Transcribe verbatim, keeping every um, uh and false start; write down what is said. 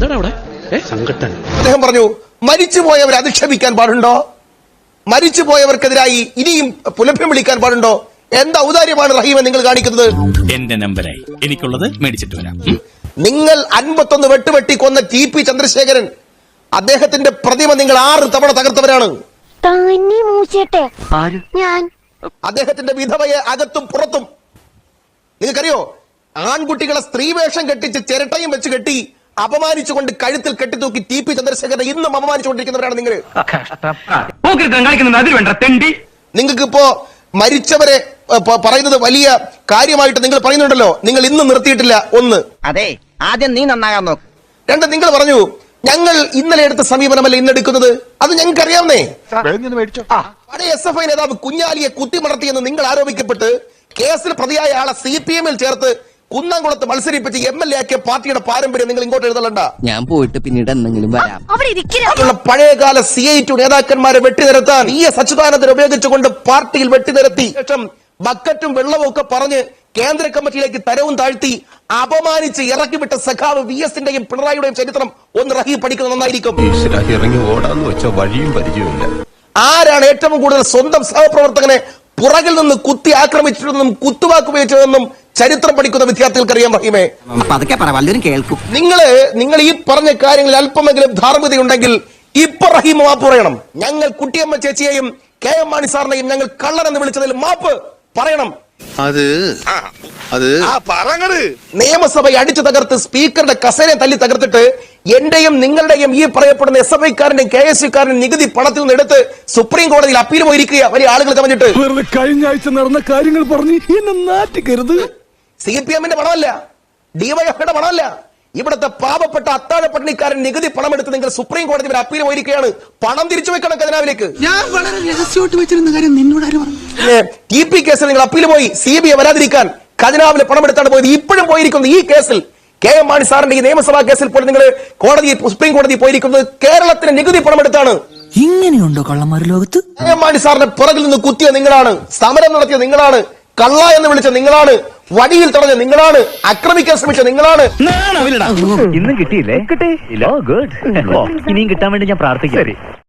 എന്താണ് അവിടെ സംഘട്ടൻ? അദ്ദേഹം പറഞ്ഞു മരിച്ചുപോയവരെ അധിക്ഷേപിക്കാൻ പാടുണ്ടോ? മരിച്ചുപോയവർക്കെതിരായി ഇനിയും പുലഭ്യം വിളിക്കാൻ പാടുണ്ടോ? എന്താ ഔദാര്യമാണ് റഹീമെ നിങ്ങൾ കാണിക്കുന്നത്? എന്റെ നമ്പരായി എനിക്കുള്ളത് മേടിച്ചിട്ട് വരാം. നിങ്ങൾ അൻപത്തൊന്ന് വെട്ടുവെട്ടി കൊന്ന ടി പി ചന്ദ്രശേഖരൻ അദ്ദേഹത്തിന്റെ പ്രതിമ നിങ്ങൾ ആറ് തവണ തകർത്തവരാണ്. അദ്ദേഹത്തിന്റെ വിധവയെ അകത്തും പുറത്തും നിങ്ങൾക്കറിയോ? ആൺകുട്ടികളെ സ്ത്രീവേഷം കെട്ടിച്ച് ചിരട്ടയും വെച്ച് കെട്ടി അപമാനിച്ചുകൊണ്ട് കഴുത്തിൽ കെട്ടിത്തൂക്കി ടി പി ചന്ദ്രശേഖരനെ ഇന്നും അപമാനിച്ചുകൊണ്ടിരിക്കുന്നവരാണ് നിങ്ങൾ. നിങ്ങൾക്ക് ഇപ്പോ മരിച്ചവരെ പറയുന്നത് വലിയ കാര്യമായിട്ട് നിങ്ങൾ പറയുന്നുണ്ടല്ലോ, നിങ്ങൾ ഇന്നും നിർത്തിയിട്ടില്ല. ഒന്ന്, അതെ, ആദ്യം നീ നന്നാകാൻ നോക്ക്. രണ്ട്, നിങ്ങൾ പറഞ്ഞു ഞങ്ങൾ ഇന്നലെ എടുത്ത സമീപനമല്ല ഇന്നെടുക്കുന്നത്. അത് ഞങ്ങൾക്ക് അറിയാവുന്നേ. പഴയ എസ് എഫ് ഐ നേതാവ് കുഞ്ഞാലിയെ കുത്തിമടർത്തിയെന്ന് നിങ്ങൾ ആരോപിക്കപ്പെട്ട് കേസിൽ പ്രതിയായ ആളെ സി പി എമ്മിൽ ചേർത്ത് കുന്നംകുളത്ത് മത്സരിപ്പിച്ച് എം എൽ എ ആക്കിയ പാർട്ടിയുടെ പാരമ്പര്യം നിങ്ങൾ ഇങ്ങോട്ട് എഴുതലണ്ട. ഞാൻ പോയിട്ട് പിന്നീട് എന്തെങ്കിലും വരാം. പഴയകാല സി ഐ ടു നേതാക്കന്മാരെ വെട്ടിനിരത്താൻ ഇ എസ് അച്യുതാനന്ദൻ ഉപയോഗിച്ചുകൊണ്ട് പാർട്ടിയിൽ വെട്ടിനിരത്തി ശേഷം ബക്കറ്റും വെള്ളവും ഒക്കെ പറഞ്ഞ് കേന്ദ്ര കമ്മിറ്റിയിലേക്ക് തരവും താഴ്ത്തി അപമാനിച്ച് ഇറക്കിവിട്ട സഖാവ് വി എസിന്റെയും പിണറായിയുടെയും ചരിത്രം ഒന്ന് റഹീം പഠിക്കുന്നത് നന്നായിരിക്കും. ആരാണ് ഏറ്റവും കൂടുതൽ സ്വന്തം സഹപ്രവർത്തകനെ പുറകിൽ നിന്ന് കുത്തി ആക്രമിച്ചിട്ടുണ്ടെന്നും കുത്തുവാക്കുപയോഗിച്ചതെന്നും ചരിത്രം പഠിക്കുന്ന വിദ്യാർത്ഥികൾക്ക് അറിയാം റഹീമെ. കേൾക്കും. നിങ്ങള് നിങ്ങൾ ഈ പറഞ്ഞ കാര്യങ്ങളിൽ അല്പമെങ്കിലും ധാർമ്മികതയുണ്ടെങ്കിൽ ഇപ്പൊ റഹീം മാപ്പ് പറയണം. ഞങ്ങൾ കുട്ടിയമ്മ ചേച്ചിയെയും കെ എം മാണി സാറിനെയും ഞങ്ങൾ കള്ളനെന്ന് വിളിച്ചതിൽ മാപ്പ് പറയണം. അത് അത് നിയമസഭ അടിച്ചു തകർത്ത് സ്പീക്കറുടെ കസേരയെ തല്ലി തകർത്തിട്ട് എന്റെയും നിങ്ങളുടെയും ഈ പറയപ്പെടുന്ന എസ് എഫ് ഐക്കാരന്റെയും കെ എസ് യുക്കാരനും നികുതി പണത്തിൽ നിന്ന് എടുത്ത് സുപ്രീം കോടതിയിൽ അപ്പീൽ പോയിരിക്കുക വലിയ ആളുകൾ കമഞ്ഞിട്ട്. കഴിഞ്ഞ ആഴ്ച നടന്ന കാര്യങ്ങൾ പറഞ്ഞ് എന്നെ നാറ്റിക്കരുത്. സി പി എമ്മിന്റെ പണമല്ല, ഡിവൈഎഫ്ഐയുടെ പണമല്ല. ഇവിടുത്തെ പാവപ്പെട്ട അത്താഴപ്പട്ടിണിക്കാരൻ നികുതി പണം എടുത്ത് നിങ്ങൾ സുപ്രീം കോടതി വരെ അപ്പീൽ പോയിരിക്കുകയാണ്. പണം തിരിച്ചു വെക്കണം ഖജനാവിലേക്ക്. ഞാൻ വളരെ രഹസ്യമായിട്ട് വെച്ചിരുന്ന കാര്യം നിന്നോട് ആര് പറഞ്ഞു? ടി പി കേസിൽ നിങ്ങൾ അപ്പീൽ പോയി സി ബി ഐ വരാതിരിക്കാൻ ഖജനാവിലെ പണം എടുത്താണ് പോയത്. ഇപ്പോഴും പോയിരിക്കുന്നത് ഈ കേസിൽ കെ എം മാണി സാറിന്റെ ഈ നിയമസഭാ കേസിൽ പോലും നിങ്ങൾ കോടതി സുപ്രീം കോടതി പോയിരിക്കുന്നത് കേരളത്തിന് നികുതി പണം എടുത്താണ്. ഇങ്ങനെയുണ്ടോ കള്ളന്മാർ ലോകത്ത്? കെ എം മാണി സാറിന്റെ പുറകിൽ നിന്ന് കുത്തിയ നിങ്ങളാണ്, സമരം നടത്തിയ നിങ്ങളാണ്, കള്ള എന്ന് വിളിച്ച നിങ്ങളാണ്, വടിയിൽ തടഞ്ഞ നിങ്ങളാണ്, ആക്രമിക്കാൻ ശ്രമിച്ച നിങ്ങളാണ്. ഇന്നും കിട്ടിയില്ലേ? കിട്ടി. ഇനിയും കിട്ടാൻ വേണ്ടി ഞാൻ പ്രാർത്ഥിക്കാം.